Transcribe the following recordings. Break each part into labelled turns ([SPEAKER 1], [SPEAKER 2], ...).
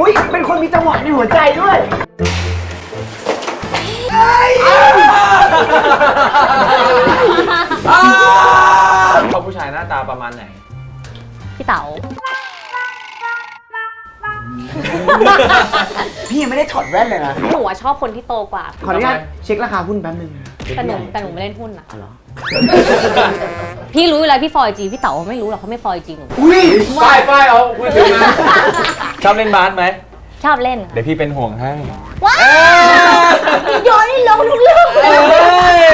[SPEAKER 1] อุ้ยเป็นคนมีจังหวะในหัวใจด้วย
[SPEAKER 2] เขาผู้ชายหน้าตาประมาณไหน
[SPEAKER 3] พี่เต๋า
[SPEAKER 1] พี่ยังไม่ได้ถอดแว่นเลยนะ
[SPEAKER 3] หนูชอบคนที่โตกว่า
[SPEAKER 1] ขออนุญาตเช็คราคาหุ้นแป๊บนึง
[SPEAKER 3] แต่หนูไม่เล่นหุ้นนะ
[SPEAKER 1] อ๋อเหรอ
[SPEAKER 3] พี่รู้อยู่แล้วพี่ฟอยจีพี่เต๋าไม่รู้หรอกเขาไม่ฟอยจีหนู
[SPEAKER 1] อุ้ย
[SPEAKER 2] ป้ายเอาพูดถึงนะชอบเล่นบาสไหม
[SPEAKER 3] ชอบเล่น
[SPEAKER 2] เดี๋ยวพี่เป็นห่วงให้
[SPEAKER 3] ว้าวโยนให้ลงทุกเรื่องเลย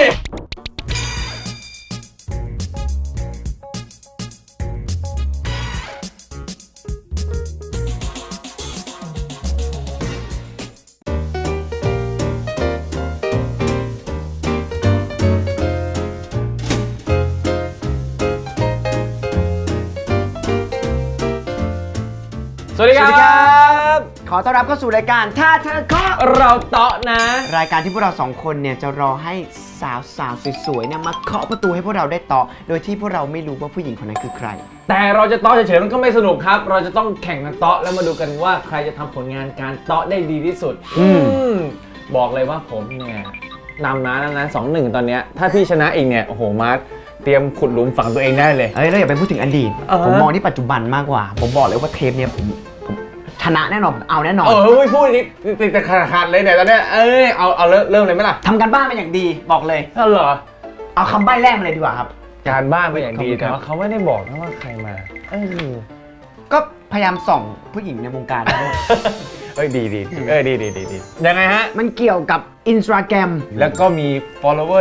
[SPEAKER 2] สวัสดีครับ
[SPEAKER 1] ขอต้อนรับเข้าสู่รายการถ้าเธอเคาะ
[SPEAKER 2] เราเตาะนะ
[SPEAKER 1] รายการที่พวกเราสองคนเนี่ยจะรอให้สาวสวยๆเนี่ยมาเคาะประตูให้พวกเราได้เตาะโดยที่พวกเราไม่รู้ว่าผู้หญิงคนนั้นคือใคร
[SPEAKER 2] แต่เราจะเตาะเฉยๆมันก็ไม่สนุกครับเราจะต้องแข่งกันเตาะแล้วมาดูกันว่าใครจะทำผลงานการเตาะได้ดีที่สุดบอกเลยว่าผมเนี่ยนำนะ2-1ตอนเนี้ยถ้าพี่ชนะอีกเนี่ยโอ้โหมาร์ทเตรียมขุดหลุมฝังตัวเองได้เลย
[SPEAKER 1] แล้วอย่าไปพูดถึงอดีตผมมองที่ปัจจุบันมากกว่าผมบอกเลยว่าเทปเนี่ยผมชนะแน่นอนเอาแน่นอน
[SPEAKER 2] ไม่พูดติดแต่ขาดเลยเนี่ยตอนเนี้ยเอาเริ่มเลยไหมล่ะ
[SPEAKER 1] ทำกันบ้านมาอย่างดีบอกเลย
[SPEAKER 2] เหรอ
[SPEAKER 1] เอาคำใบ้แรกมาเลยดีกว่าครับ
[SPEAKER 2] การบ้านมาอย่างดีแต่ว่าเขาไม่ได้บอกนะว่าใครมา
[SPEAKER 1] ก็พยายามส่องผู้หญิงในวงการ
[SPEAKER 2] ดียังไงฮะ
[SPEAKER 1] มันเกี่ยวกับ Instagram
[SPEAKER 2] แล้วก็มี follower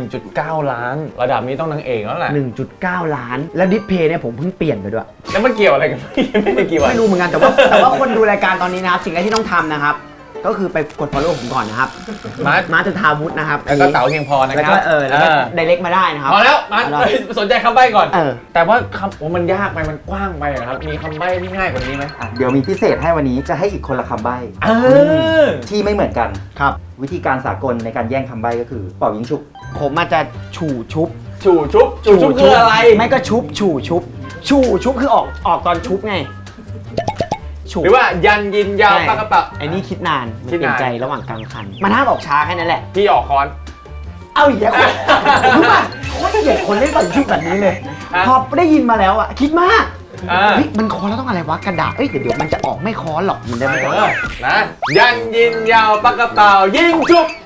[SPEAKER 2] 1.9 ล้านระดับนี้ต้องนางเอกแล้วแหละ
[SPEAKER 1] 1.9 ล้านแล้วดิสเพย์เนี่ยผมเพิ่งเปลี่ยนไปด้วย
[SPEAKER 2] แล้วมันเกี่ยวอะไรกันไม่ได้เกี่ยว
[SPEAKER 1] ไม่รู้เหมือนกันแต่ว่าคนดูรายการตอนนี้นะครับสิ่งแรกที่ต้องทำนะครับก็คือไปกด follow ผมก่อนนะครับมาจุธาวุฒินะครับ
[SPEAKER 2] แล้วก็เต๋าเพียงพอนะครับ
[SPEAKER 1] แล้วก็ direct มาได้นะครับ
[SPEAKER 2] พอแล้วมาสนใจคำใบ้ก่อนแต่ว่าคำมันยากไปมันกว้างไปครับมีคำใบ้ที่ง่ายกว่านี้ไหม
[SPEAKER 4] เดี๋ยวมีพิเศษให้วันนี้จะให้อีกคนละคำใบ้ที่ไม่เหมือนกัน
[SPEAKER 1] ครับ
[SPEAKER 4] วิธีการสากลในการแย่งคำใบ้ก็คือเป่ายิงฉุบ
[SPEAKER 1] ผมอาจจะฉู่ชุบ
[SPEAKER 2] คืออะไร
[SPEAKER 1] ไม่ก็ชุบคือออกตอนชุบไง
[SPEAKER 2] หรือว่ายันยินยาวปากกระเป๋า
[SPEAKER 1] ไอ้นี่คิดนานเปลี่ยนใจระหว่างกลางคันมันห้ามออกช้าแค่นั้นแหละ
[SPEAKER 2] พี่ออกคอน
[SPEAKER 1] เอาอีกแล้วรู้ป่ะโคตรเกลียดคนเล่นบอลชุบแบบนี้เลยพอได้ยินมาแล้วอ่ะคิดมากมันคอนแล้วต้องอะไรวะกระดาษเดี๋ยวมันจะออกไม่คอนหรอกมันได้ไม่ได้
[SPEAKER 2] นะยันยินยาวปากกระเป๋ายิงจุบ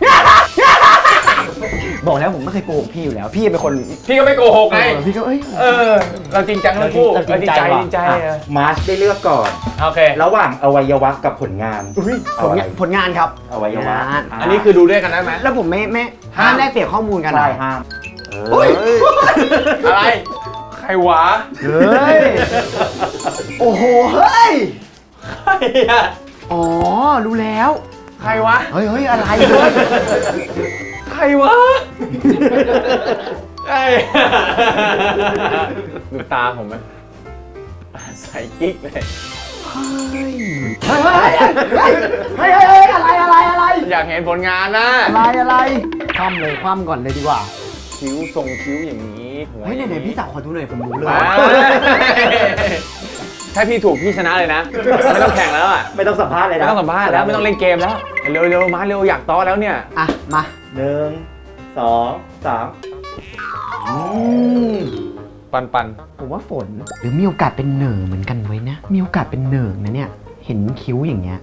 [SPEAKER 1] บอกแล้วผมไม่เคยโกหกพี่อยู่แล้วพี่เป็นคน
[SPEAKER 2] พี่ก็ไม่โกหกไง
[SPEAKER 1] พี่ก็
[SPEAKER 2] เราจริงจังทั้งคู่จริงใจ
[SPEAKER 4] มาร์ชได้เลือกก่อน
[SPEAKER 2] โอเค
[SPEAKER 4] ระหว่างอวัยวะกับผลงาน
[SPEAKER 1] ผลงานครับ
[SPEAKER 4] อวัยวะ
[SPEAKER 2] อันนี้คือดูด้วยกันได้ไหม
[SPEAKER 1] แล้วผมไม่ห้ามแลกเปลี่ยนข้อมูลกัน
[SPEAKER 4] ใช่ห้าม
[SPEAKER 2] อะไรใครวะ
[SPEAKER 1] เฮ้ยโอ้โหเฮ้ย
[SPEAKER 2] ใครอะ
[SPEAKER 1] อ๋อรู้แล้ว
[SPEAKER 2] ใครวะ
[SPEAKER 1] เฮ้ยอะไร
[SPEAKER 2] ใครวะดูตาผมไหมใส่กิ๊กเลย
[SPEAKER 1] เฮ้ยอะไร
[SPEAKER 2] อยากเห็นผลงานนะ
[SPEAKER 1] อะไรคว่ำเลยคว่ำก่อนเลยดีกว่า
[SPEAKER 2] คิ้วทรงคิ้วอย่างนี้
[SPEAKER 1] เฮ้ยไหนพี่สาวขอดูหน่อยผมรู้เลย
[SPEAKER 2] ถ้าพี่ถูกพี่ชนะเลยนะไม่ต้องแข่งแล้วอ่ะ
[SPEAKER 4] ไม่ต้องสัมภาษณ์เลยนะ
[SPEAKER 2] ไม่ต้องสัมภาษณ์แล้วไม่ต้องเล่นเกมแล้วเร็วมาเร็วอยากต้อแล้วเนี่ย
[SPEAKER 1] มา
[SPEAKER 4] 1 2 3
[SPEAKER 2] ปัน
[SPEAKER 1] ผมว่าฝนหรือมีโอกาสเป็นเหน่อเหมือนกันไว้นะมีโอกาสเป็นเหน่อนะเนี่ยเห็นคิ้วอย่างเงี้ย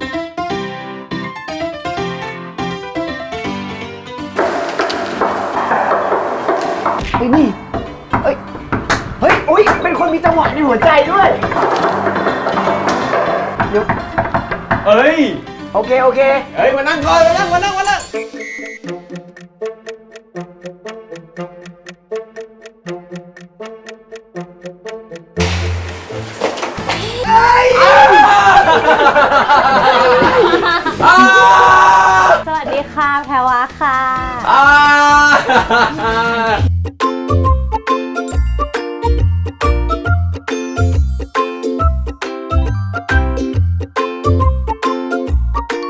[SPEAKER 1] นี่เฮ้ยอุ๊ยเป็นคนมีจังหวะในหัวใจด้วยเดี๋ยวโอเค
[SPEAKER 2] มานั่งก่อนมานั่ง
[SPEAKER 3] สวัสดีค่ะแพรวาค่ะ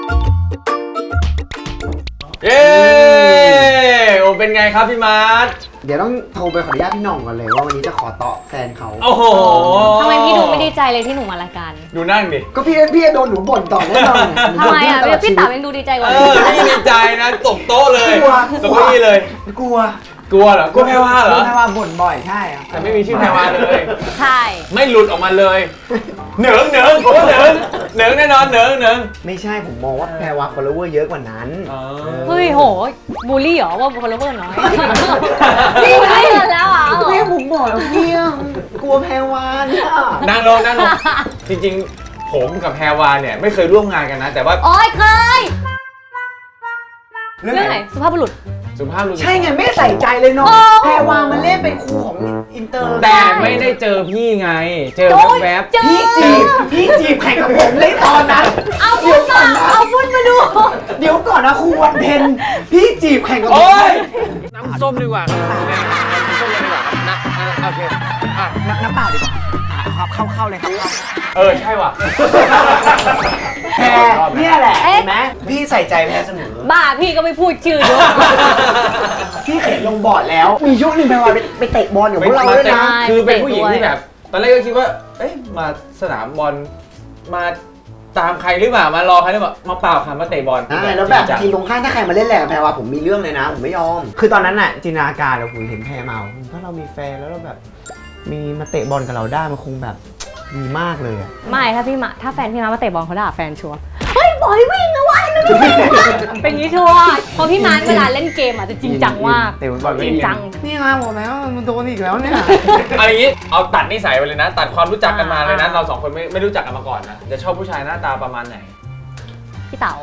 [SPEAKER 2] เป็นไงครับพี่มาร์ท
[SPEAKER 1] เดี๋ยวต้องโทรไปขออนุญาตพี่หน่องก่อนเลยว่าวันนี้จะขอต่อแฟนเขา
[SPEAKER 2] โอ้โห
[SPEAKER 3] ทำไมพี่ดูไม่ดีใจเลยที่หนูมารายการ
[SPEAKER 2] ดูนั่งดิ
[SPEAKER 1] ก็พี่จะโดนหนูบ่นต่อแน่นอน
[SPEAKER 3] ทำไมอ่ะพี่เต๋ายังดูดีใจกว่า
[SPEAKER 2] พี่ดีใจนะตบโต๊ะเลย
[SPEAKER 1] กลัว
[SPEAKER 2] ตบเก้าอี้เลย
[SPEAKER 1] กลัว
[SPEAKER 2] กลัวเหรอกลัวแพรวาเหรอ
[SPEAKER 1] แพรวาบ่นบ่อยใช่อะ
[SPEAKER 2] แต่ไม่มีชื่อแพรวาเลย
[SPEAKER 3] ใช่
[SPEAKER 2] ไม่หลุดออกมาเลยเหนิงเหนิงผมว่าเหนิงเหนิงแน่นอนเหนิงเหนิง
[SPEAKER 1] ไม่ใช่ผมมองว่าแพรวา follower เยอะกว่านั้น
[SPEAKER 3] เฮ้ยโหบูลลี่เหรอว่าฟอลโลเวอร์น้อยนี่ไม่เงินแล้วอ่ะ
[SPEAKER 1] แม่ผมบอกแล้วพี่อะกลัวแพรวาเนี่ย
[SPEAKER 2] นั่งลงนั่งลงจริงๆผมกับแพรวาเนี่ยไม่เคยร่วมงานกันนะ แต่ว่า
[SPEAKER 3] โอ้ยเคย
[SPEAKER 1] เรื่อง
[SPEAKER 3] เรื่อง
[SPEAKER 1] ไห
[SPEAKER 3] ไห
[SPEAKER 1] น
[SPEAKER 3] นสุภาพบุรุษ
[SPEAKER 2] สุภาพบุรุษ
[SPEAKER 1] ใช่ไงไม่ใส่ใจเลยเนาะ
[SPEAKER 3] โอ้
[SPEAKER 1] แพรวามันเล่นเป็นครูของอินเตอร์
[SPEAKER 2] แต่ไม่ได้เจอพี่ไง เจอแวบ
[SPEAKER 3] เจอ
[SPEAKER 1] พี่จีบแข่งกับผมเลยตอนนั้น
[SPEAKER 3] เอาฟุตมาเอาฟุตมาดู
[SPEAKER 1] เดี๋ยวก่อนนะครูวันเพ็ญพี่จีบแข่งกับ
[SPEAKER 2] ๆ
[SPEAKER 1] ผม
[SPEAKER 2] โอ้ย
[SPEAKER 1] เลย
[SPEAKER 2] น้ำส้มดีกว่าน้ำส้มเลยดีกว่านะโอเคอ่ะ
[SPEAKER 1] น้ำเปล่าดีกว่าครับเข้าเลยครับ
[SPEAKER 2] ใช่ว่ะ
[SPEAKER 1] แพรเนี่ยแหละเห็นไหมพี่ใส่ใจแพรเสมอ
[SPEAKER 3] บ้าพี่ก็ไม่พูดชื่อด้วย
[SPEAKER 1] พี่เขียนลงบอร์ดแล้ว มียุคหนึ่งแพรวาไปเตะบอลกับพวกเราด้วยนะ
[SPEAKER 2] คือเป็นผู้หญิงที่แบบ ตอนแรกก็คิดว่า เอ๊ะมาสนามบอลมาตามใครหรือเปล่ามารอใครหรือเปล่ามาเปล่าค่ะมาเตะบอล
[SPEAKER 1] แล้วแบบทีมตรงข้ามถ้าใครมาเล่นแรงกับแพรวาผมมีเรื่องเลยนะผมไม่ยอม คือตอนนั้นน่ะจินตนาการเราคุยเห็นแพรเมาถ้าเรามีแฟนแล้วเราแบบมีมาเตะบอลกับเราได้มันคงแบบดีมากเลยอะ
[SPEAKER 3] ไม่ถ้าแฟนพี่มาเตะบอลเขาด่าแฟนชัวร์เฮ้ยบอยวิ่งนะวะนั่นวิ่งเป็นงี้ชัวร์เพราะพี่มาร์คเวลาเล่นเกมอาจจะจริงจังมาก
[SPEAKER 1] เตะบอล
[SPEAKER 3] จริงจัง
[SPEAKER 1] นี่ไงบอกแล้วมันโดนอีกแล้วเนี่ย
[SPEAKER 2] เอาอย่างนี้เอาตัดนิสัยไปเลยนะ ตัดความรู้จักกันมาเลยนะเราสองคนไม่รู้จักกันมาก่อนนะจะชอบผู้ชายหน้าตาประมาณไหน
[SPEAKER 3] พี่เต๋า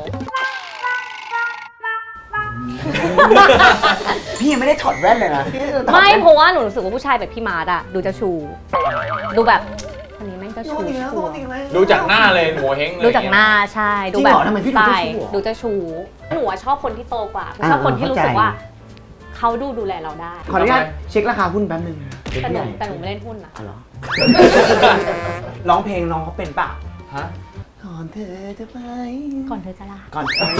[SPEAKER 1] พี่ยังไม่ได้ถอดแว่นเลยนะ
[SPEAKER 3] ไม่เพราะว่าหนูรู้สึกว่าผู้ชายแบบพี่มาร์คอะดูเจ้าชูดูแบบคนนี้แม่งเจ้าชูชัวร์
[SPEAKER 2] ดูจากหน้าเลยหัวเฮงเลย
[SPEAKER 3] ดูจากหน้าใช่ดูแบบ
[SPEAKER 1] ทำไมพี่ดู
[SPEAKER 3] ใช่
[SPEAKER 1] เจ้าชู้อะ
[SPEAKER 3] ดูเจ้าชูหนูอะชอบคนที่โตกว่าชอบคนที่รู้สึกว่าเขาดูแลเราได้
[SPEAKER 1] ขออนุญาตเช็คราคาหุ้นแป๊บนึงนะ
[SPEAKER 3] แต่หนูไม่เล่นหุ้นนะ
[SPEAKER 1] อ๋อเหรอ ร้องเพลงน้องเขาเป็นป่ะ
[SPEAKER 2] ฮะ
[SPEAKER 1] ก่อนเธอจะไป
[SPEAKER 3] ก่อนเธอจะลา
[SPEAKER 1] ก่อนเธอ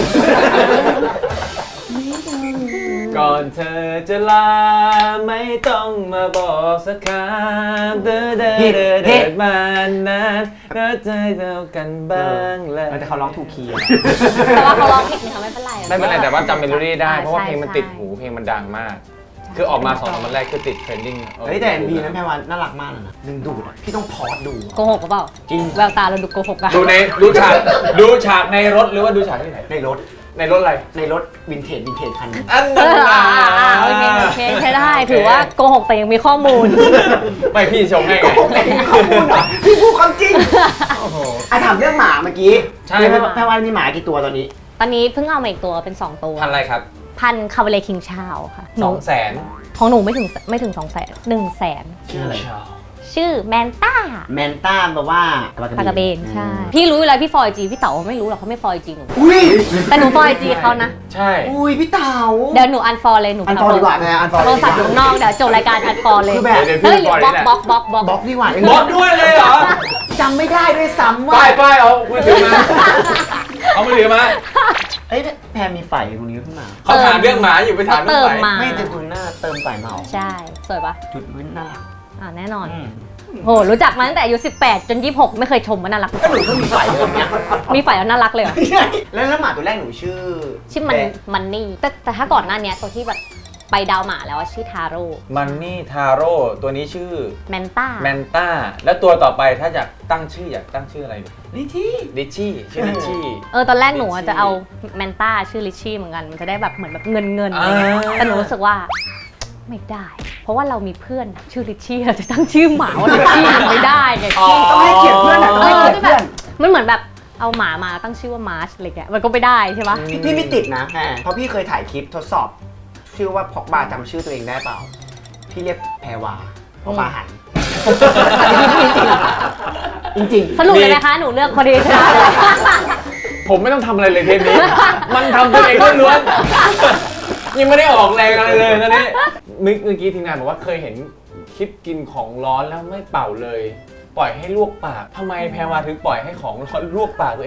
[SPEAKER 2] ก่อนเธอจะลาไม่ต้องมาบอกสักคำเดินมานานก็ใจเท่ากันบ้างแหละ
[SPEAKER 1] แต่เขาร้องถูกคีย์อะ
[SPEAKER 3] แต่ว่าเขาร้องผิดนะคะไม่เป็นไร
[SPEAKER 2] ไม่เป็นไรแต่ว่าจำเมโลดี้ได้เพราะว่า
[SPEAKER 3] ใช่
[SPEAKER 2] เพลงมัน
[SPEAKER 3] ใช่
[SPEAKER 2] ติดหูเพลงมันดังมาก คือออกมา2 3วันแรกคือติดเทรนดิ้ง
[SPEAKER 1] เฮ้ยแต่มีนะแพรวันน่ารักมากเลยนะดึงดูดอะพี่ต้องพอสดู
[SPEAKER 3] โกหกหรือเปล่า
[SPEAKER 1] จริง
[SPEAKER 3] แววตาเราดูโกหกอะ
[SPEAKER 2] ดูฉากในรถหรือว่าดูฉากที่ไหน
[SPEAKER 1] ในรถ
[SPEAKER 2] ในรถอะไร
[SPEAKER 1] ในรถวินเทจคันนึง
[SPEAKER 2] อัน
[SPEAKER 3] เอ
[SPEAKER 2] นั้น
[SPEAKER 3] อโอเคใช้ได้ถือว่าโกหกแต่ยังมีข้อมูล
[SPEAKER 2] ไม่พี่ชมให้ไง
[SPEAKER 1] ข้อมูลเหรอพี่พูดความจริง
[SPEAKER 2] โอ้โห
[SPEAKER 1] ถามเรื่องหมาเมื่อกี้
[SPEAKER 2] ใช่
[SPEAKER 1] แพรวันมีหมากี่ตัวตอนนี้
[SPEAKER 3] ตอนนี้เพิ่งเอามาอีกตัวเป็น 2 ตัว
[SPEAKER 2] พันอะไรครับ
[SPEAKER 3] พันคาเวเลคิงชาวค่ะหนู
[SPEAKER 2] 200,000
[SPEAKER 3] ของหนูไม่ถึง200,000 100,000
[SPEAKER 1] ชื่ออะไร
[SPEAKER 3] ชื่อแมนต้า
[SPEAKER 1] แมนต้าแปลว่า
[SPEAKER 3] ปลากระเบนใช่ พี่รู้อยู่แล้วพี่ฟอยจีพี่เต๋อไม่รู้หรอกเขาไม่ฟอยจีหนู
[SPEAKER 1] อุ้ย
[SPEAKER 3] แต่หนูฟอยจีเขานะ
[SPEAKER 2] ใช่
[SPEAKER 1] อุ้ยพี่เต๋า
[SPEAKER 3] เดี๋ยวหนูอันฟอลเลยหนู
[SPEAKER 1] อันฟอลดีกว่านะอันฟอล
[SPEAKER 3] โทรศัพท์อยู่ข้างนอกเดี๋ยวจบรายการอันฟอลเลย
[SPEAKER 1] คือแบบ
[SPEAKER 2] เดี๋ยว
[SPEAKER 3] เฮ้ย
[SPEAKER 2] พี่
[SPEAKER 3] บ
[SPEAKER 2] ปล่
[SPEAKER 3] ล็
[SPEAKER 2] อย
[SPEAKER 3] อก
[SPEAKER 2] นี่แหละ
[SPEAKER 3] บล็อกบล็อก
[SPEAKER 1] บล็อกดีกว่า
[SPEAKER 2] บล็อกด้วยเลยเหรอ
[SPEAKER 1] จำไม่ได้ด้วยซ้ำว่า
[SPEAKER 2] ป้ายเอามือถือมา เอามือถือมา
[SPEAKER 1] เอ้ยแพรมีไฝตรงนี้ขึ้นมา
[SPEAKER 2] เขาถามเรื่องหมาอยู่ไปถามเรื่
[SPEAKER 3] เติ
[SPEAKER 2] อง
[SPEAKER 3] ม
[SPEAKER 2] ไหน
[SPEAKER 3] มา
[SPEAKER 1] ไม่จะดูหน้าเติมไฝมา
[SPEAKER 3] ใช่สวยปะ
[SPEAKER 1] จุดไว้น่ารัก
[SPEAKER 3] แน่นอนโหรู้จักมาตั้งแต่อายุ18 จน 26 ไม่เคยชมว่าน่ารัก
[SPEAKER 1] ก็หนูก็มีไฝเดิมเนี้ย
[SPEAKER 3] มีฝ่ายแล้วน่ารักเลยเหรอ
[SPEAKER 1] แล้วหมาตัวแรกหนูชื่อ
[SPEAKER 3] ชื่อมันนี่แต่ถ้าก่อนหน้านี้ตัวที่แบบไปดาวหมาแล้วชื่อทาโร่
[SPEAKER 2] มันนี่ทาโร่ตัวนี้ชื่อ
[SPEAKER 3] แมนต้า
[SPEAKER 2] แมนต้า แล้วตัวต่อไปถ้าอยากตั้งชื่ออยากตั้งชื่ออะไรดี
[SPEAKER 1] นี่ที่
[SPEAKER 2] ดิชชี่ชื่อดิชชี่
[SPEAKER 3] ตอนแรกหนูจะเอาแมนต้าชื่อลิชชี่เหมือนกันมันจะได้แบบเหมือนแบบเงินอะไรเงี้ยแต่หนูรู้สึกว่าไม่ได้ เพราะว่าเรามีเพื่อนชื่อลิชชี่เราจะตั้งชื่อหมาว่าลิชชี่ไม่ได้ไง
[SPEAKER 1] ต้องให้เกียรติเพื่อนอ่ะต้องให้เกียรติเพื่อน
[SPEAKER 3] มันเหมือนแบบเอาหมามาตั้งชื่อว่ามาร์ชอะไรเงี้ยมันก็ไม่ได้ใช่ปะ
[SPEAKER 1] พี่ไม่ติดนะแพรเพราะพี่เคยถ่ายคลิปทดสอบ ชื่อว่าพอกบาจำชื่อตัวเองได้เปล่า พี่เรียกแพรวาพอกบาหัน จริง
[SPEAKER 3] สรุปเลยนะคะหนูเลือกพอดีใช่ไหม
[SPEAKER 2] ผมไม่ต้องทำอะไรเลยเทปนี้ มันทำตัวเองล้วนๆยังไม่ได้ออกแรงอะไรเลยนะนี่เมื่อกี้ทีมงานบอกว่าเคยเห็นคลิปกินของร้อนแล้วไม่เป่าเลย ปล่อยให้ลวกปากทำไมแพรวาถึงปล่อยให้ของร้อนลวกปากตัวเอง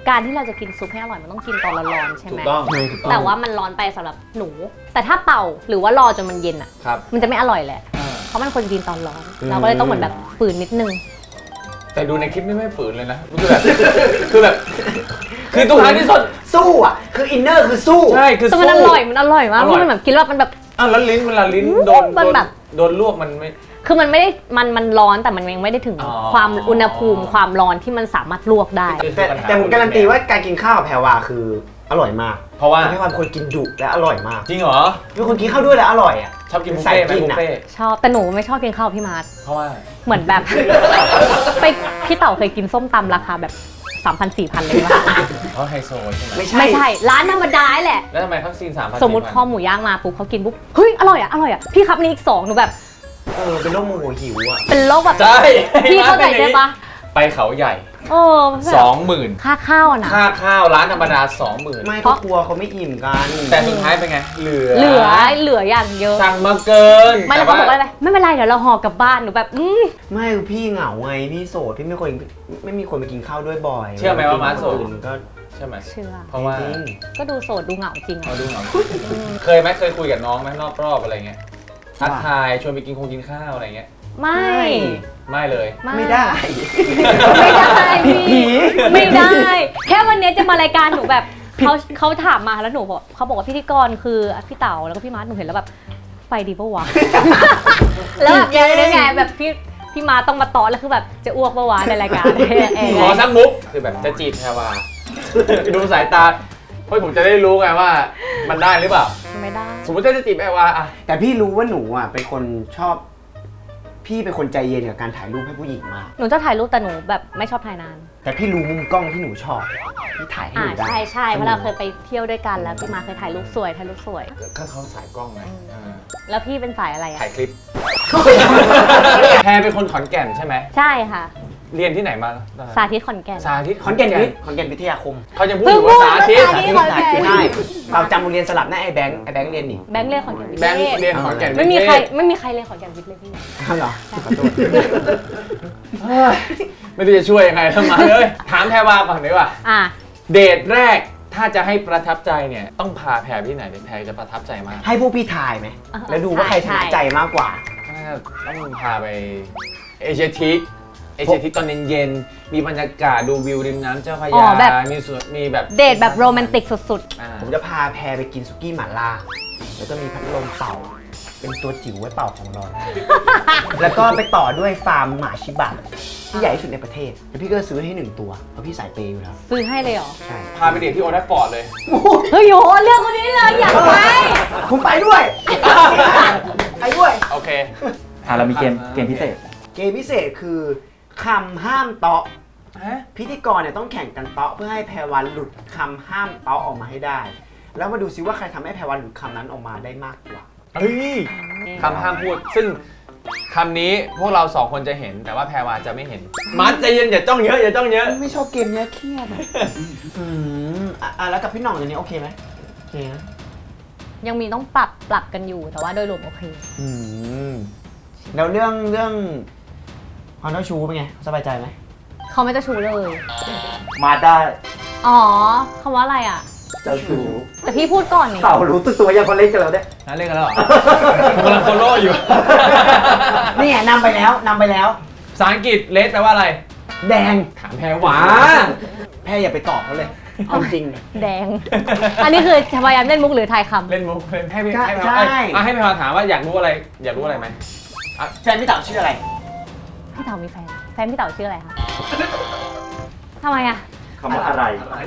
[SPEAKER 3] การที่เราจะกินซุปให้อร่อยมันต้องกินตอนร้อนๆใช่
[SPEAKER 2] ถู
[SPEAKER 3] ไหม
[SPEAKER 2] กต้อง
[SPEAKER 3] แต่ว่ามันร้อนไปสำหรับหนู แต่ถ้าเป่าหรือว่ารอจนมันเย็นอ่ะ
[SPEAKER 2] ครับ
[SPEAKER 3] มันจะไม่อร่อยแหละ เพราะมันควรกินตอนร้อน เราก็เลยต้องเหมือนแบบฝืนนิดนึง
[SPEAKER 2] แต่ดูในคลิปนี่ไม่ฝืนเลยนะคือแบบ คือทุกครั้งที่สด
[SPEAKER 1] สู้อ่ะ คืออินเนอร์คือสู้
[SPEAKER 2] ใช่คือ
[SPEAKER 3] แต่
[SPEAKER 2] สู้
[SPEAKER 3] มันอร่อยมาก
[SPEAKER 2] อร่อย
[SPEAKER 3] มันแบบกินแล้วมันแบบ
[SPEAKER 2] อ้าวแล้วลิ้นเวลาลิ้นโดน
[SPEAKER 3] มันแบบ
[SPEAKER 2] โดนลวกมันไม่
[SPEAKER 3] คือมันไม่ได้มันร้อนแต่มันยังไม่ได้ถึง
[SPEAKER 2] อ๋อ
[SPEAKER 3] ความอุณหภูมิความร้อนที่มันสามารถลวกได้
[SPEAKER 1] แต่ผมการันตีว่าการกินข้าวกับแพรวาคืออร่อยมาก
[SPEAKER 2] เพราะว่า
[SPEAKER 1] แพรวาเป็นคนกินดุและอร่อยมาก
[SPEAKER 2] จริงเหรอ
[SPEAKER 1] เป็นคนกินข้าวด้วยและอร่อยอ่ะ
[SPEAKER 2] ชอบกินบุฟ
[SPEAKER 1] ใส่
[SPEAKER 2] เฟ่ต์ไหม
[SPEAKER 1] กิน
[SPEAKER 2] บุฟ
[SPEAKER 1] อะ
[SPEAKER 2] เฟ่ต์
[SPEAKER 3] ชอบแต่หนูไม่ชอบกินข้าวกับพี่มาร์ท
[SPEAKER 2] เพราะว่า
[SPEAKER 3] เหมือนแบบ ไปพี่เต๋าเคยกินส้มตำราคาแบบ 3,000-4,000 เลยป่ะ
[SPEAKER 2] เพราะไฮโซใช่ไหม
[SPEAKER 1] ไม่ใช่
[SPEAKER 3] ไม่ใช่ร้านธรรมดาแหละ
[SPEAKER 2] แล้วทำไมเขาซีน3,000
[SPEAKER 3] สมมติข้อหมูย่างมาปุ๊บเขากินปุ๊บเฮ้ยอร่อยอ่ะพี่ครับนี่อีก2หนูแบบ
[SPEAKER 1] เป็นโรคโมโหหิวอ่ะ
[SPEAKER 3] เป็นโรคแบบ
[SPEAKER 2] ใช่
[SPEAKER 3] พี่เข้าใจใช่ปะ
[SPEAKER 2] ไปเขาใหญ่
[SPEAKER 3] โอ้แบบ
[SPEAKER 2] 20,000
[SPEAKER 3] ค่าข้าวนะ
[SPEAKER 2] ค่าข้าวร้านธรรมดา 20,000
[SPEAKER 1] ไม่ก็กลัวเขาไม่อิ่มกัน
[SPEAKER 2] แต่สุดท้ายเป็นไง เหลือ
[SPEAKER 3] เหลืออย่างเยอะ
[SPEAKER 2] สั่งมาเกิน
[SPEAKER 3] ไม่แล้วเขาบอกว่าอะไรไม่เป็นไรเดี๋ยวเราห่อกลับบ้านหนูแบบ
[SPEAKER 1] ไม่คือพี่เหงาไงพี่โสดพี่ไม่มีคนไปกินข้าวด้วยบ่อย
[SPEAKER 2] เชื่อไหมว่ามาร์ทโสด
[SPEAKER 1] คนอื่นก็
[SPEAKER 2] ใช่ไหม
[SPEAKER 3] เชื่อ
[SPEAKER 2] เพราะว่า
[SPEAKER 1] จริง
[SPEAKER 3] ก็ดูโสดดูเหงาจริง
[SPEAKER 2] เขา
[SPEAKER 3] อะ
[SPEAKER 2] ดูเหงาเคยไหมเคยคุยกับน้องไหมนอกรอบอะไรเงี้ยทักทายชวนไปกินข้าวอะไรเงี้ย
[SPEAKER 3] ไม่
[SPEAKER 2] ไม่เลย
[SPEAKER 1] ไม่ได้
[SPEAKER 3] ไม่ได้พี่
[SPEAKER 1] ผี
[SPEAKER 3] ไม่ได้ แค่วันนี้จะมารายการหนูแบบเขาถามมาแล้วหนูบอกเขาบอกว่าพิธีกรคือพี่เต๋าแล้วก็พี่มาร์ทหนูเห็นแล้วแบบไปดีปะวะ แล้วแบบยังไงแบบพี่มาร์ทต้องมาต่อแล้วคือแบบจะอ้วกปะวะในรายการ
[SPEAKER 2] ขอสักมุกคือแบบจะจีบแพรวาดูสายตาเพื่อผมจะได้รู้ไงว่ามันได้หรือเปล่า
[SPEAKER 3] ไม่ได้
[SPEAKER 2] สมมติจะจีบแพรวาอะ
[SPEAKER 1] แต่พี่รู้ว่าหนูอ่ะเป็นคนชอบ พี่เป็นคนใจเย็นกับการถ่ายรูปให้ผู้หญิงมาก
[SPEAKER 3] หนูจะถ่ายรูปแต่หนูแบบไม่ชอบถ่ายนาน
[SPEAKER 1] แต่พี่รู้มุมกล้องที่หนูชอบพี่ถ่ายให้หนูได้
[SPEAKER 3] ใช่เพราะเราเคยไปเที่ยวด้วยกันแล้วพี่มาเคยถ่ายรูปสวย
[SPEAKER 2] ก็เขาสายกล้องไง
[SPEAKER 3] แล้วพี่เป็นสายอะไรอะ
[SPEAKER 2] ถ่ายคลิป แพรเป็นคนขอนแก่นใช่ไหม
[SPEAKER 3] ใช่ค่ะ
[SPEAKER 2] เรียนที่ไหนมา
[SPEAKER 3] สาธิตขอนแก่น
[SPEAKER 2] สาธิต
[SPEAKER 1] ขอนแก่นวิทยาคม
[SPEAKER 2] เขายังพูดอยู่ว่าสาธิต
[SPEAKER 3] สาธิตขอนแก่น
[SPEAKER 1] ใช่เราจำโรงเรียนสลับหน้าไอ้แบงค์เรียนนี่
[SPEAKER 3] แบงค์เรียนขอนแก่นวิท
[SPEAKER 2] แบงค์
[SPEAKER 3] ย์
[SPEAKER 2] เรียนขอนแก่น
[SPEAKER 3] ไม่มีใคร
[SPEAKER 2] วิทย
[SPEAKER 3] ไม่มีใครเรียนขอนแก่นวิทย์เลยพี่
[SPEAKER 1] อ้าวเหรอขอโทษ
[SPEAKER 2] เฮ้ยไม่รู้จะช่วยยังไงทำไมเลยถามแพรวาก่อนดีกว่า
[SPEAKER 3] อ่ะ
[SPEAKER 2] เดทแรกถ้าจะให้ประทับใจเนี่ยต้องพาแพรที่ไหนแพรจะประทับใจมาก
[SPEAKER 1] ให้พวกพี่ถ่ายไหมแล้วดูว่าใครชนะใจมากกว่า
[SPEAKER 2] น่าจะต้องพาไปเอเชียทิกตอนเย็นๆมีบรรยากาศดูวิวริมน้ำเจ้าพระยามีสวนมีแบบ
[SPEAKER 3] เดทแบบโรแมนติกสุด
[SPEAKER 1] ผมจะพาแพรไปกินสุกี้หม่าล่า แล้วก็มีพัดลมเป่า เป็นตัวจิ๋วไว้เป่าของร้อน แล้วก็ไปต่อด้วยฟาร์มหมาชิบะที่ใหญ่ที่สุดในประเทศ แล้วพี่ก็ซื้อให้1 ตัว เพราะพี่สายเปย์อยู่แล้ว
[SPEAKER 3] ๆ ซื้อให้เลยเหรอ
[SPEAKER 1] ใช่
[SPEAKER 2] พาไปเดทที่โอทัฟฟอร์ดเลย
[SPEAKER 3] เฮ้ยโหเลือกคนนี้เลยอยากไป
[SPEAKER 1] ผมไปด้วย ไปด้วย
[SPEAKER 2] โอเค
[SPEAKER 4] เรามีเกมพิเศษ
[SPEAKER 1] เกมพิเศษคือคำห้ามเตาะ
[SPEAKER 2] ฮะ
[SPEAKER 1] พิธีกรเนี่ยต้องแข่งกันเตาะเพื่อให้แพรวันหลุดคำห้ามเตาะออกมาให้ได้ แล้วมาดูซิว่าใครทำให้แพรวันหลุดคำนั้นออกมาได้มากกว่า
[SPEAKER 2] เฮ้ยคำห้ามพูด ซึ่งคำนี้พวกเรา2 คนจะเห็น แต่ว่าแพรวาจะไม่เห็น มัดใจเย็นอย่าจ้องเยอะอย่าจ้องเยอะ
[SPEAKER 1] ไม่ชอบเกมเนี้ยเครียดอะแล้วกับพี่หน่องตัวนี้โอเคไหมโอเคนะ
[SPEAKER 3] ยังมีต้องปรับกันอยู่แต่ว่าโดยรวมโอเค
[SPEAKER 1] แล้วเรื่องความเจ้าชู้เป็นไงสบายใจไหม
[SPEAKER 3] เขาไม่เจะชูเลย
[SPEAKER 4] มาได้
[SPEAKER 3] อ๋อคำว่าอะไรอ่ะ
[SPEAKER 4] เจ้าชู้
[SPEAKER 3] แต่พี่พูดก่อนนี่
[SPEAKER 4] เต่ารู้ตึกตัวยังคนเล่นกันแล้วเนี่ย
[SPEAKER 2] นั่นเล่นกันแล้วเหรอ ผมกำลังโซโล่อยู่
[SPEAKER 1] นี่ไงนำไปแล้ว
[SPEAKER 2] ภาษาอังกฤษเลสแปลว่าอะไร
[SPEAKER 1] แดง
[SPEAKER 2] ถามแพรวา
[SPEAKER 1] แพ้อย่าไปตอบเขาเลยเอาจริง
[SPEAKER 3] แดง อันนี้คือพยายามเล่นมุกหรือทายคำ
[SPEAKER 2] เล่นมุกเล่นให้พี่
[SPEAKER 1] ใช่
[SPEAKER 2] ให้แพร
[SPEAKER 1] ใช่
[SPEAKER 2] ให้แพรวาถามว่าอยากรู้อะไรไหม
[SPEAKER 1] แฟนพี่เต๋าชื่ออะไร
[SPEAKER 3] พี่เต๋ามีแฟนพี่เต๋าชื่ออะไรคะทำไมอ่ะ
[SPEAKER 4] คำว่าอะไร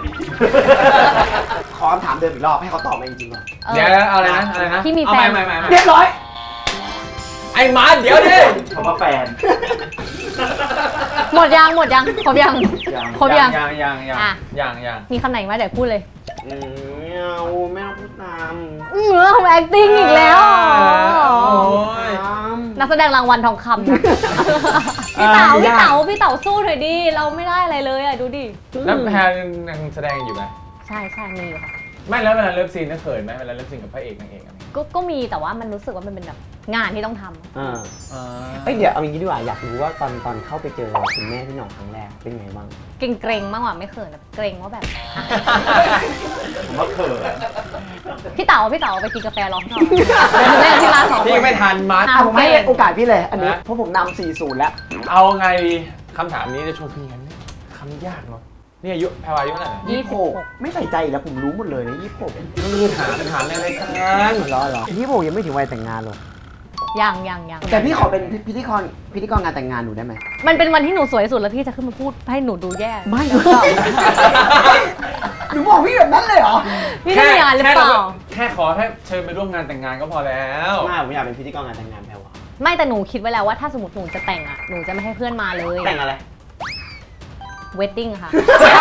[SPEAKER 1] ขอคำถามเดิมอีกรอบให้เขาตอบมาจริงๆก่อน
[SPEAKER 2] เดี๋ยวอะไรนะ
[SPEAKER 3] พี่มีแฟน
[SPEAKER 2] เอาใหม่
[SPEAKER 1] เรียบร้อย
[SPEAKER 2] ไอ้มาเดี๋ยวดิ
[SPEAKER 4] คำว่าแฟน
[SPEAKER 3] หมดยังครบยังครบยัง อ่ะ
[SPEAKER 2] ยัง
[SPEAKER 3] มีคำไหนมาเดี๋ยวพูดเลย
[SPEAKER 1] ไม่เอาไม่ต้องพูดตาม
[SPEAKER 3] ทำ acting อีกแล้วเหรอ
[SPEAKER 2] โอ้ย
[SPEAKER 1] ตาม
[SPEAKER 3] นักแสดงรางวัลทองคำนะพี่เต๋าสู้หน่อยดิเราไม่ได้อะไรเลยอ่ะดูดิ
[SPEAKER 2] แล้วแพรยังแสดงอยู่ไหม
[SPEAKER 3] ใช่มีอยู่ค่ะ
[SPEAKER 2] ไม่แล้วเวลาเลิฟซีนน่ะเขินไหมเวลาเลิฟซีนกับพระเอกนางเอกอะไร
[SPEAKER 3] ก็มีแต่ว่ามันรู้สึกว่ามันเป็นแบบงานที่ต้องทำ
[SPEAKER 1] เอ้ยเดี๋ยวเอาอย่างนี้ดีกว่าอยากรู้ว่าตอนเข้าไปเจอคุณแม่พี่หน่องครั้งแรกเป็นไงบ้าง
[SPEAKER 3] เกรงๆมากกว่าไม่เขินแบบเกรงว่าแบบ
[SPEAKER 1] ผมว่าเขิน
[SPEAKER 3] พี่เต๋าไปกินกาแฟร้องต่อเล่นที่ร้านสองคน
[SPEAKER 2] พี่ไม่ทันมาร์ค
[SPEAKER 1] ผมให้โอกาสพี่เลยอันนี้เพราะผมนำ4-0แล้ว
[SPEAKER 2] เอาไงดีคำถามนี้จะชวนพี่กันเนี่ยคำยากเนาะนี่อายุแพรวาอายุเท่าไหร่นะ
[SPEAKER 1] 26ไม่ใส่ใจอีกแล้วผมรู้หมดเลยนะ26
[SPEAKER 2] มันคือถามในรายการ
[SPEAKER 1] เหรอ26ยังไม่ถึงวัยแต่งงานหรอก
[SPEAKER 3] ยัง
[SPEAKER 1] แต่พี่ขอเป็นพิธีกรงานแต่งงานหนูได้ไหม
[SPEAKER 3] มันเป็นวันที่หนูสวยที่สุดแล้วพี่จะขึ้นมาพูดให้หนูดูแย่
[SPEAKER 1] ไม่หนูหนูบอกพี่แบบนั้นเลยเหรอ
[SPEAKER 3] พี่ได้งานหรือเปล่า
[SPEAKER 2] แค่ขอให้เชิญไปร่วมงานแต่งงานก็พอแล้ว
[SPEAKER 1] ไม่ผมอยากเป็นพิธีกรงานแต่งงานแพรวา
[SPEAKER 3] ไม่แต่หนูคิดไว้แล้วว่าถ้าสมมติหนูจะแต่งอ่ะหนูจะไม่ให้เพื่อนมาเลย
[SPEAKER 1] แต่งอะไร
[SPEAKER 3] เวดดิ้งค่ะ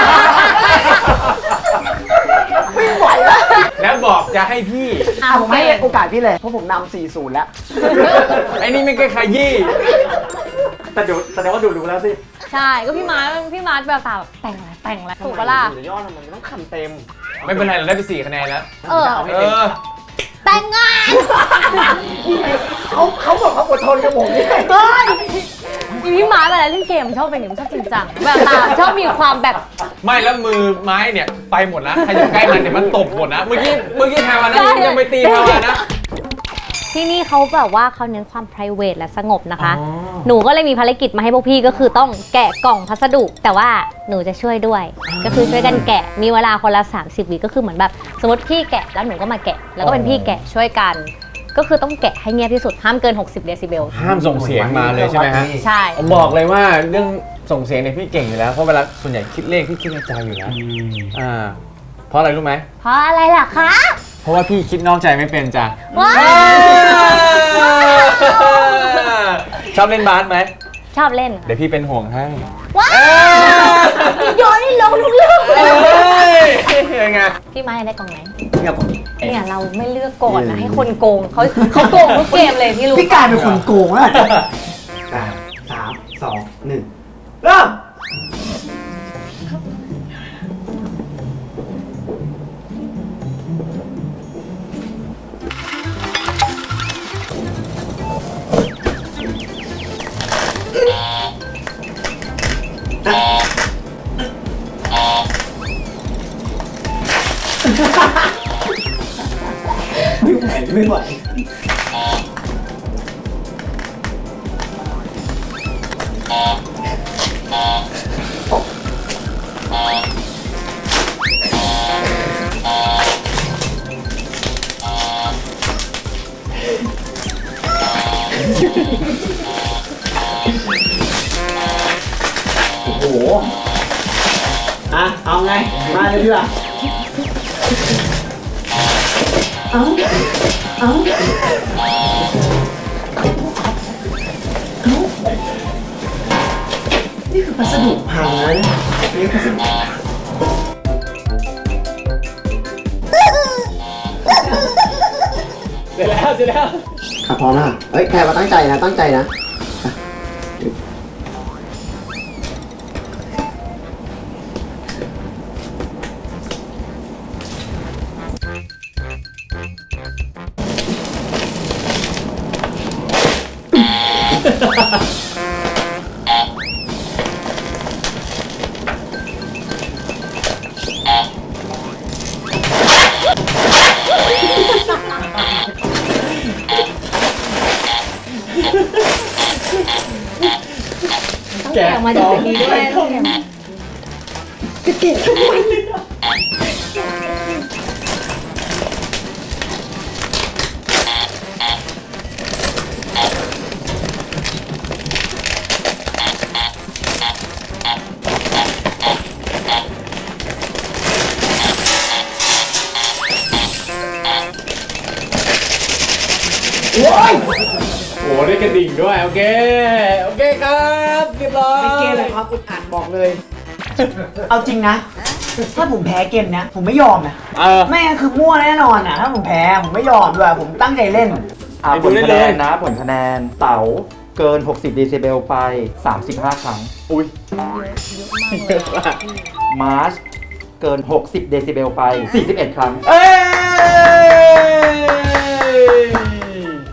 [SPEAKER 1] ไม่ไหวแล้ว
[SPEAKER 2] แล้วบอกจะให้พี่
[SPEAKER 1] ผมให้โอกาสพี่เลยเพราะผมนำ4-0แล้ว
[SPEAKER 2] ไอ้นี่ไม่เคยขยี้
[SPEAKER 1] แต่เดี๋ยวแสดงว่าดูรู้แล้วสิ
[SPEAKER 3] ใช่ก็พี่มาร์คแบบตาแบบแต่งอะไรถูกปะล่ะ
[SPEAKER 1] เดี๋ยวยอดมันต้องคำเต็ม
[SPEAKER 2] ไม่เป็นไรเราได้ไป4 คะแนนแล้ว
[SPEAKER 3] เออ
[SPEAKER 1] เอาให้
[SPEAKER 2] เอ
[SPEAKER 1] เต็ม
[SPEAKER 2] อ
[SPEAKER 3] แต่งงาน
[SPEAKER 1] เขาบอกเขาอดทนกับผมนี่
[SPEAKER 3] เฮ้ยพี่มาร์คเวลาเล่นเกมชอบเป็นอย่างนี้ชอบจริงจังแบบตาชอบมีความแบบ
[SPEAKER 2] ไม่แล้วมือไม้เนี่ยไปหมดนะใครอยู่ใกล้มันเนี่ยมันตบหมดนะ เมื่อกี้แพรวานะยังไปตีแพรวานะ
[SPEAKER 3] ที่นี่เขาแบบว่าเขาเน้นความ private และสงบนะคะ
[SPEAKER 2] อ๋อ
[SPEAKER 3] หนูก็เลยมีภารกิจมาให้พวกพี่ก็คือต้องแกะกล่องพัสดุ แต่ว่าหนูจะช่วยด้วย ก็คือช่วยกันแกะ มีเวลาคนละ30 วิก็คือเหมือนแบบสมมติพี่แกะแล้วหนูก็มาแกะ แล้วก็เป็นพี่แกะช่วยกัน ก็คือต้องแกะให้เงียบที่สุดห้ามเกิน60 เดซิเบล
[SPEAKER 2] ห้ามส่งเสียงมาเลยใช่ไหมฮะ
[SPEAKER 3] ใช่
[SPEAKER 2] ผมบอกเลยว่าเรื่องส่งเสียงเนี่ยพี่เก่งอยู่แล้ว เพราะเวลาส่วนใหญ่คิดเลขพี่คิดในใจอยู่แล้วเพราะอะไรรู้ไหม
[SPEAKER 3] เพราะอะไรล่ะคะ
[SPEAKER 2] เพราะว่าพี่คิดนอกใจไม่เป็นจ้ะ
[SPEAKER 3] ว้าว
[SPEAKER 2] ชอบเล่นบาสไหม
[SPEAKER 3] ชอบเล่น
[SPEAKER 2] เดี๋ยวพี่เป็นห่วงให้
[SPEAKER 3] ว้าวโยนให้ลงทุกเรื่อง
[SPEAKER 2] เอ้ยยังไง
[SPEAKER 3] พี่ไม้ได้กล่องไหน
[SPEAKER 1] เนี่ยผม
[SPEAKER 3] เนี่ยเราไม่เลือกก่อนนะให้คนโกงเขาโกงทุกเกมเลยพี่รู้
[SPEAKER 1] พี่กลายเป็นคนโกงแล้ว3 2 1เริ่มไม่ไหวโอ้โหเอาไงมาเลยดีกว่านี่คือพัสดุพังแล้วเนี่ยนี่พัสดุ
[SPEAKER 2] เสร็จแล้ว
[SPEAKER 1] พร้อมแล้วเฮ้ยแพรมาตั้งใจนะ
[SPEAKER 3] แกะมาจากนี้ด้วย
[SPEAKER 1] จะเก็บทำไม โอ้ย
[SPEAKER 2] โอ้ได้กระดิ่งด้วยโอเคครับเรียบร้อย
[SPEAKER 1] ไม่เกมเลยครับอุดอัดบอกเลย เอาจริงนะ ถ้าผมแพ้เกมเนี้ยผมไม่ยอมนะ ไม่งั้นคือมั่วแน่นอนอ่ะ ถ้าผมแพ้ผมไม่ยอมด้วยผมตั้งใจเล่น
[SPEAKER 4] ผลคะแนนนะผลคะแนนเต๋าเกิน 60 เดซิเบลไป 35 ครั้ง
[SPEAKER 2] อุ้ย
[SPEAKER 3] เยอะมากเลย
[SPEAKER 4] มาร์ชเกิน 60 เดซิเบลไป 41 ครั้ง
[SPEAKER 2] เอ้ย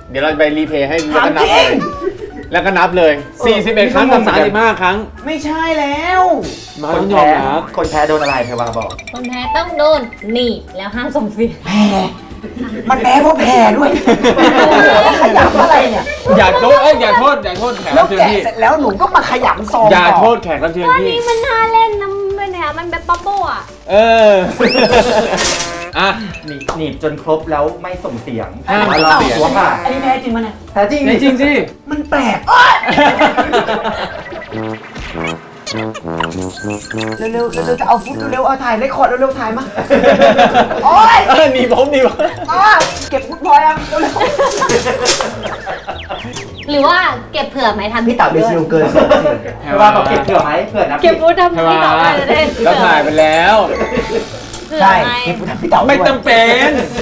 [SPEAKER 2] เดี๋ยวเราไปรีเพย์ให้ดู
[SPEAKER 1] ถาม
[SPEAKER 2] แล้วก็นับ
[SPEAKER 1] จริง
[SPEAKER 2] เลย 41 ครั้งกับ35 ครั้ง
[SPEAKER 1] ไม่ใช่แล้ว
[SPEAKER 2] มา
[SPEAKER 4] คน
[SPEAKER 2] ต้องยอ
[SPEAKER 4] แพ้
[SPEAKER 2] มรับ
[SPEAKER 4] คนแพ้โดนอะไรแพรวาบอก
[SPEAKER 3] คนแพ้ต้องโดนหนีบแล้วห้ามส่งเสียง
[SPEAKER 1] มันแพ้เพราะแพ้ด้วยขยำอะไรเนี่ย
[SPEAKER 2] อย่าโทษอย่าโทษแขก
[SPEAKER 1] แล้
[SPEAKER 2] รั
[SPEAKER 1] ว
[SPEAKER 2] บเชิญ
[SPEAKER 1] แกะ
[SPEAKER 2] พี่
[SPEAKER 1] เสร็จแล้วหนูก็มาขยำซอง
[SPEAKER 2] อย่า
[SPEAKER 1] ต่
[SPEAKER 2] โทษแขกรับเชิญ
[SPEAKER 3] อัน
[SPEAKER 2] พี่
[SPEAKER 3] นี้มันน่าเล่นนะมันเนี่ยมันแบบบับเบิ้ลอ่ะ
[SPEAKER 2] เออ อ่ะ
[SPEAKER 4] หนีบจนครบแล้วไม่ส่งเสียง
[SPEAKER 2] ห้าม
[SPEAKER 4] ว่า
[SPEAKER 2] ส่
[SPEAKER 4] เรา
[SPEAKER 2] งเสียง
[SPEAKER 4] หัวผ่า
[SPEAKER 1] อันนี้แพ้จริงมั้ยเนี่ย
[SPEAKER 4] แท้จริง
[SPEAKER 2] ในจริงสิ
[SPEAKER 1] มันแปลกเร็วๆจะเอาฟุตเร็วๆเอาถ่ายเรคคอร์ดเร็วๆถ่ายมาโอ๊ย
[SPEAKER 2] หนีผม
[SPEAKER 1] เก็บฟุตพอยอ่ะเร็ว
[SPEAKER 3] หรือว่าเก็บเผื่อไหมทำ
[SPEAKER 1] ๆพี่เต๋าเป็นซิลเกิน
[SPEAKER 4] แพรวาบอกเก็บเผื่อไหมเผื่อนับ
[SPEAKER 3] เก็บ
[SPEAKER 4] ผิด
[SPEAKER 3] ฟูดทำที่ต่อไปจะได้
[SPEAKER 2] แล้วถ่ายไปแล้ว
[SPEAKER 3] เผื่อ
[SPEAKER 1] ใช่
[SPEAKER 3] ไหม
[SPEAKER 1] เก็บฟุตพี่เต๋า
[SPEAKER 2] ไม่จำเป็น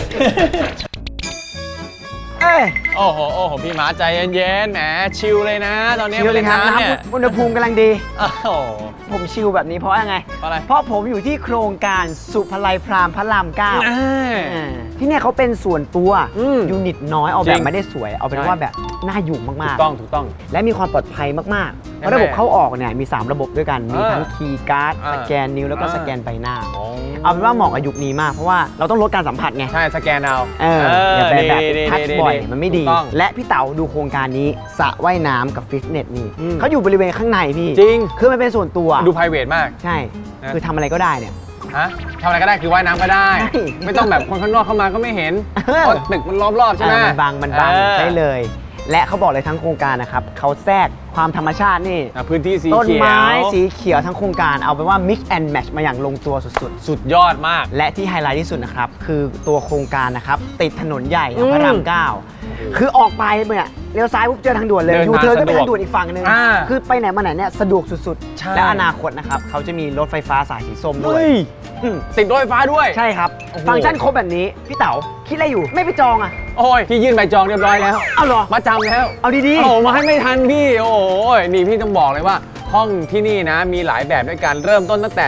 [SPEAKER 1] เอ้ย
[SPEAKER 2] โอ้โหพี่หมาใจเย็นๆแหมชิลเลยนะ ตอนนี้
[SPEAKER 1] ชิลเลยครับ
[SPEAKER 2] มาเนี่ย
[SPEAKER 1] น้ำอุณหภูมิกำลังดี
[SPEAKER 2] โอ้โห
[SPEAKER 1] ผมชิลแบบนี้เพราะอะไร
[SPEAKER 2] เพราะอะไร
[SPEAKER 1] เพราะผมอยู่ที่โครงการสุภไลพรามพระรามเก้า
[SPEAKER 2] อ่า
[SPEAKER 1] ที่เนี่ยเขาเป็นส่วนตัว
[SPEAKER 2] อืม
[SPEAKER 1] ยูนิตน้อยเอา
[SPEAKER 2] จ
[SPEAKER 1] แบ
[SPEAKER 2] ริ
[SPEAKER 1] บ
[SPEAKER 2] ง
[SPEAKER 1] ไม่ได้สวย เอาเป็น
[SPEAKER 2] ใช่
[SPEAKER 1] ว่าแบบน่าอยู่มาก
[SPEAKER 2] ถูกต้อง
[SPEAKER 1] ๆ และมีความปลอดภัยมากๆเพราะ
[SPEAKER 2] แน่ๆ
[SPEAKER 1] ระบบเข้าออกเนี่ยมี 3 ระบบด้วยกัน มีทั้ง
[SPEAKER 2] เออ
[SPEAKER 1] คีย์การ์ด
[SPEAKER 2] อ่า
[SPEAKER 1] สแกนนิ้วแล้วก็
[SPEAKER 2] อ่า
[SPEAKER 1] สแกนใบหน้า เอาเป็นว่าเหมาะกับยุคนี้มาก เพราะว่าเราต้องลดการสัมผัสไง
[SPEAKER 2] ใช่สแกนเอา
[SPEAKER 1] อย่าไปแบบทัชบ่อย
[SPEAKER 2] ๆ
[SPEAKER 1] มันไม่ดี
[SPEAKER 2] ถูกต้อง
[SPEAKER 1] และพี่เต๋าดูโครงการนี้สระว่ายน้ำกับฟิตเนสนี่
[SPEAKER 2] อืม
[SPEAKER 1] เขาอยู่บริเวณข้างในพี่
[SPEAKER 2] จริง
[SPEAKER 1] คือมันเป็นส่วนตัว
[SPEAKER 2] ดู private มาก
[SPEAKER 1] ใช่
[SPEAKER 2] นะ
[SPEAKER 1] คือทำอะไรก็ได้เนี่ย
[SPEAKER 2] ฮะทำอะไรก็ได้คือว่ายน้ำก็ได้
[SPEAKER 1] ใช่
[SPEAKER 2] ไม่ต้องแบบคนข้างนอกเข้ามาก็ไม่เห็น
[SPEAKER 1] เออ
[SPEAKER 2] เพราะตึกมันล้อมรอบใช่ไหม
[SPEAKER 1] มันบัง
[SPEAKER 2] เออ
[SPEAKER 1] ได้เลย และเขาบอกเลยทั้งโครงการนะครับเขาแทรกความธรรมชาตินี่
[SPEAKER 2] พื้นที่สี
[SPEAKER 1] ต้น
[SPEAKER 2] เขียว
[SPEAKER 1] ไม้สีเขียวทั้งโครงการเอาเป็นว่า mix and match มาอย่างลงตัวสุด
[SPEAKER 2] สุดยอดมาก
[SPEAKER 1] ๆ และที่ไฮไลท์ที่สุดนะครับ คือตัวโครงการนะครับ ติดถนนใหญ่
[SPEAKER 2] อืม
[SPEAKER 1] พระราม9คือออกไปเนี่ยเลี้ยวซ้ายปุ๊บเจอทางด่วนเลย
[SPEAKER 2] เดิน
[SPEAKER 1] ยู
[SPEAKER 2] มา
[SPEAKER 1] เทิร์นก็เป็น
[SPEAKER 2] สะดวก
[SPEAKER 1] ทางด่วนอีกฝั่งหนึง
[SPEAKER 2] อ่า
[SPEAKER 1] คือไปไหนมาไหนเนี่ยสะดวกสุด
[SPEAKER 2] ใช่
[SPEAKER 1] ๆ และอนาคตนะครับเขาจะมีรถไฟฟ้าสายสีส้มด้วย
[SPEAKER 2] เฮ้ย
[SPEAKER 1] อืม
[SPEAKER 2] ติดรถไฟฟ้าด้วย
[SPEAKER 1] ใช่ครับ
[SPEAKER 2] โอ้โห
[SPEAKER 1] ฟังก์ชันครบแบบนี้พี่เต๋าคิดอะไรอยู่ไม่ไปจองอ่ะ
[SPEAKER 2] โอ้ยพี่ยื่นใบจองเรียบร้อยแล้ว
[SPEAKER 1] เอาเหรอ
[SPEAKER 2] มาจำแล้ว
[SPEAKER 1] เอาดี
[SPEAKER 2] โอ้โหมาให้ไม่ทันพี่ โอ้โหนี่พี่ต้องบอกเลยว่า ห้องที่นี่นะมีหลายแบบด้วยกันเริ่มต้นตั้งแต่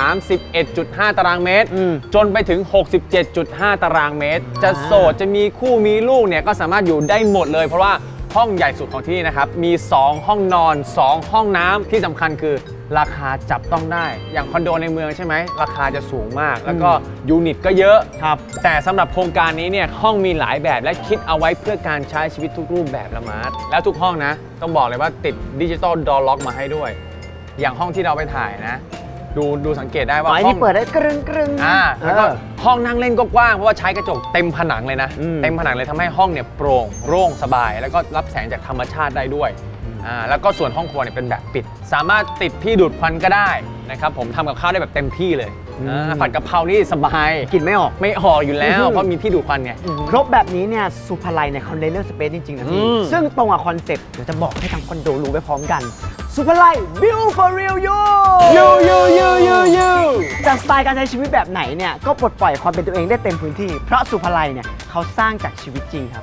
[SPEAKER 2] 31.5 ตารางเมตร จนไปถึง 67.5 ตารางเมตร จะโสดจะมีคู่มีลูกเนี่ยก็สามารถอยู่ได้หมดเลย เพราะว่าห้องใหญ่สุดของที่นี่นะครับมี 2 ห้องนอน 2 ห้องน้ำที่สำคัญคือราคาจับต้องได้ อย่างคอนโดในเมืองใช่ไหมราคาจะสูงมาก แล้วก็ยูนิตก็เยอะ
[SPEAKER 1] ๆครับ
[SPEAKER 2] แต่สำหรับโครงการนี้เนี่ยห้องมีหลายแบบและคิดเอาไว้เพื่อการใช้ชีวิตทุกรูปแบบละมาร์ทแล้วทุกห้องนะ ต้องบอกเลยว่าติดดิจิตอลดอร์ล็อกมาให้ด้วย อย่างห้องที่เราไปถ่ายนะ ดูสังเกตได้ว่า
[SPEAKER 1] อ๋อ
[SPEAKER 2] ห้อ
[SPEAKER 1] ที่
[SPEAKER 2] ง
[SPEAKER 1] เปิดได้กรึงกรึง
[SPEAKER 2] แล้วก็ห้องนั่งเล่นก็กว้างเพราะว่าใช้กระจกเต็มผนังเลยนะ
[SPEAKER 1] อืม
[SPEAKER 2] เต็มผนังเลยทำให้ห้องเนี่ยโปร่งโล่งสบาย แล้วก็รับแสงจากธรรมชาติได้ด้วยแล้วก็ส่วนห้องครัวเนี่ยเป็นแบบปิด สามารถติดที่ดูดควันก็ได้นะครับผมทำกับข้าวได้แบบเต็มที่เลยผัดกะเพรานี่สบาย
[SPEAKER 1] กินไม่ออก
[SPEAKER 2] ไม่ออกอยู่แล้วเพราะมีที่ดูดควันไง
[SPEAKER 1] ครบแบบนี้เนี่ยสุภาลัยเนี่ยเขาเน้นเรื่องสเปซจริง ๆ นะพี่
[SPEAKER 2] อืม
[SPEAKER 1] ซึ่งตรงกับคอนเซ็ปต์เดี๋ยวจะบอกให้ทางคอนโดรู้ไปพร้อมกัน สุภาลัย Build for real you จากสไตล์การใช้ชีวิตแบบไหนเนี่ย ก็ปลดปล่อยความเป็นตัวเองได้เต็มพื้นที่ เพราะสุภาลัยเนี่ยเขาสร้างจากชีวิตจริงครับ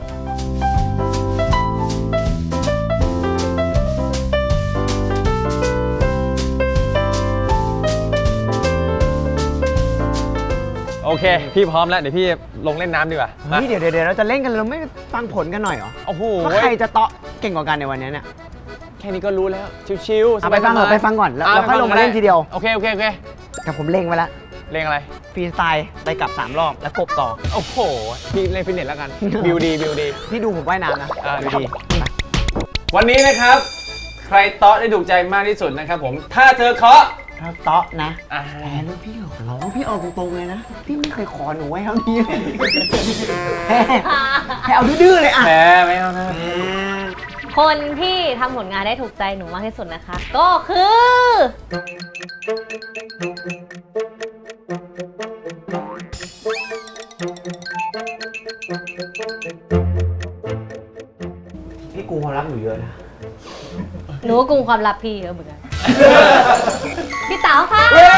[SPEAKER 2] โอเค พี่พร้อมแล้ว เดี๋ยวพี่ลงเล่นน้ำดีกว่ามา
[SPEAKER 1] นี่เดี๋ยวเราจะเล่นกันเราไม่ฟังผลกันหน่อยเหรอ
[SPEAKER 2] โอ้โห
[SPEAKER 1] ว่าใครจะเตาะเก่งกว่ากันในวันนี้เนี่ย
[SPEAKER 2] แค่นี้ก็รู้แล้ว ชิวๆ
[SPEAKER 1] เอาไปฟังก่อน
[SPEAKER 2] สบายๆ
[SPEAKER 1] ไปฟังก่อนแล้ว
[SPEAKER 2] ะ
[SPEAKER 1] เราค่อยลงมาเล่นทีเดียว
[SPEAKER 2] โอเค
[SPEAKER 1] แต่ผมเล่งไว้แล้ว
[SPEAKER 2] เล่นอะไร
[SPEAKER 1] ฟรีสไตล์ไปกลับ 3 รอบแล้วกบต่อ
[SPEAKER 2] โอ้โห พี่เล่นฟิตเนสแล้วกัน บิวดี
[SPEAKER 1] พี่ดูผมว่ายน้ำนะ
[SPEAKER 2] ดูดี วันนี้นะครับ ใครเตาะได้ถูกใจมากที่สุดนะครับผม ถ้าเธอเคาะ
[SPEAKER 1] ถ้าเตาะนะ
[SPEAKER 2] อ่า
[SPEAKER 1] แหมแล้วพี่ขอร้องพี่เอาตรงๆเลยนะ พี่ไม่เคยขอหนูไว้เท่านี้เลยให้เอาดื้อๆเลยอ่ะ
[SPEAKER 2] แหมไม่เอานะ
[SPEAKER 3] คนที่ทำผลงานได้ถูกใจหนูมากที่สุดนะคะ ก็คือ
[SPEAKER 1] พี่กูความรักหนูเยอะนะ
[SPEAKER 3] หนูก็กุมความลับพี่เยอะเหมือนกัน พี่เต๋าค่ะ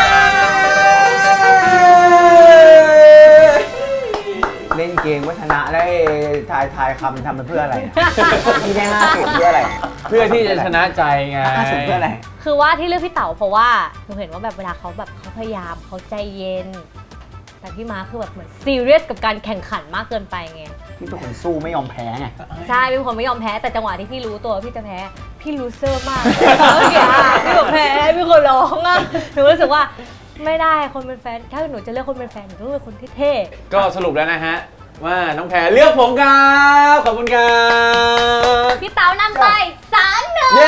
[SPEAKER 1] เล่นเกมวัฒนะได้ทายคำทำไปเพื่ออะไรพี่ได้50เพื่ออะไร
[SPEAKER 2] เพื่อที่จะชนะใจไง
[SPEAKER 1] 50เพื่ออะไร
[SPEAKER 3] คือว่าที่เลือกพี่เต๋าเพราะว่าหนูเห็นว่าแบบเวลาเขาแบบเขาพยายามเขาใจเย็น แแต่พี่ม้าคือแบบเหมือนซีเรียสกับการแข่งขันมากเกินไปไง
[SPEAKER 1] พี่เป็นคนสู้ไม่ยอมแพ้ไง
[SPEAKER 3] ใช่เป็นคนไม่ยอมแพ้แต่จังหวะที่พี่รู้ตัวว่าพี่จะแพ้พี่ลูเซอร์มากแล้วเมื่อกี้พี่บอกแพ้พี่คนร้องอ่ะหนูรู้สึกว่าไม่ได้คนเป็นแฟนถ้าหนูจะเลือกคนเป็นแฟนหนูต้องเป็นคนเท่
[SPEAKER 2] ก็สรุปแล้วนะฮะ ว่าน้องแพรเลือกผมครับขอบคุณครับ
[SPEAKER 3] ๆพี่เต๋านำไป3-1
[SPEAKER 2] เย้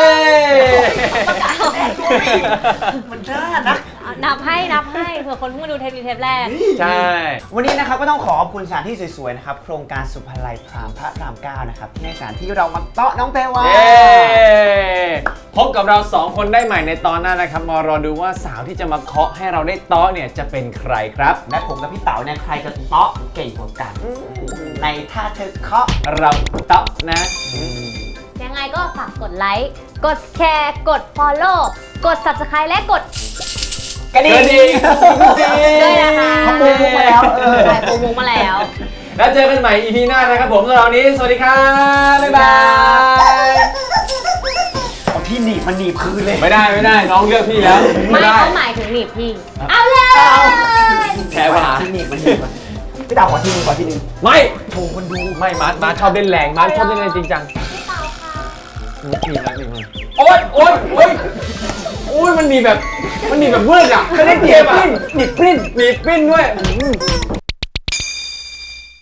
[SPEAKER 1] มันน่านะ
[SPEAKER 3] นับให้เผื่อคนเพิ่งมาดูเทปแรก
[SPEAKER 2] ใช่
[SPEAKER 1] วันนี้นะครับก็ต้องขอบคุณสถานที่สวยๆนะครับ โครงการสุภาลัยพรามพระราม 9 นะครับในสถานที่เรามาเตาะน้องแพรวา
[SPEAKER 2] เย้พบกับเรา 2 คนได้ใหม่ในตอนหน้านะครับ มารอดูว่าสาวที่จะมาเคาะให้เราได้เตาะเนี่ยจะเป็นใครครับ
[SPEAKER 1] และผมกับพี่เต๋าเนี่ยใครจะเตาะเก่งกว่ากัน ในท่าเธอเคาะ
[SPEAKER 2] เราเตาะนะ
[SPEAKER 3] ๆยังไงก็ฝากกดไลค์กดแชร์กด follow กด subscribe และกด
[SPEAKER 1] กระดิ่ง
[SPEAKER 3] ด้วยนะคะ
[SPEAKER 1] เขาปูมุกมาแล้ว
[SPEAKER 3] ใช่ปูมุกมาแล้ว
[SPEAKER 2] แล้วเจอกันใหม่ EP หน้านะครับผมสำหรับวันนี้ สวัสดีครับ บ๊ายบาย
[SPEAKER 1] เอาที่หนีบมันหนีบคืนเลย
[SPEAKER 2] ไม่ได้น้องเลือกพี่แล้ว
[SPEAKER 3] ไม่เขาหมายถึงหนีบพี่ เอาเลย
[SPEAKER 2] แพ้ว่า
[SPEAKER 1] ที่หนีบมันหนีบพี่เต๋าขอที่หนึงขอที่หนึง
[SPEAKER 2] ไม่
[SPEAKER 1] โชว์คนดู
[SPEAKER 2] ไม่มาร์ทชอบเล่นแรงมาร์ทชอบเล่นแรงจริงจัง
[SPEAKER 3] พี่เต๋าค่ะ
[SPEAKER 2] นี่โอ๊ยมันมีแบบเวิร์ดอ่ะ
[SPEAKER 1] ไม่ได้เจ็บอ่ะ
[SPEAKER 2] หนีบปริ้นด้วย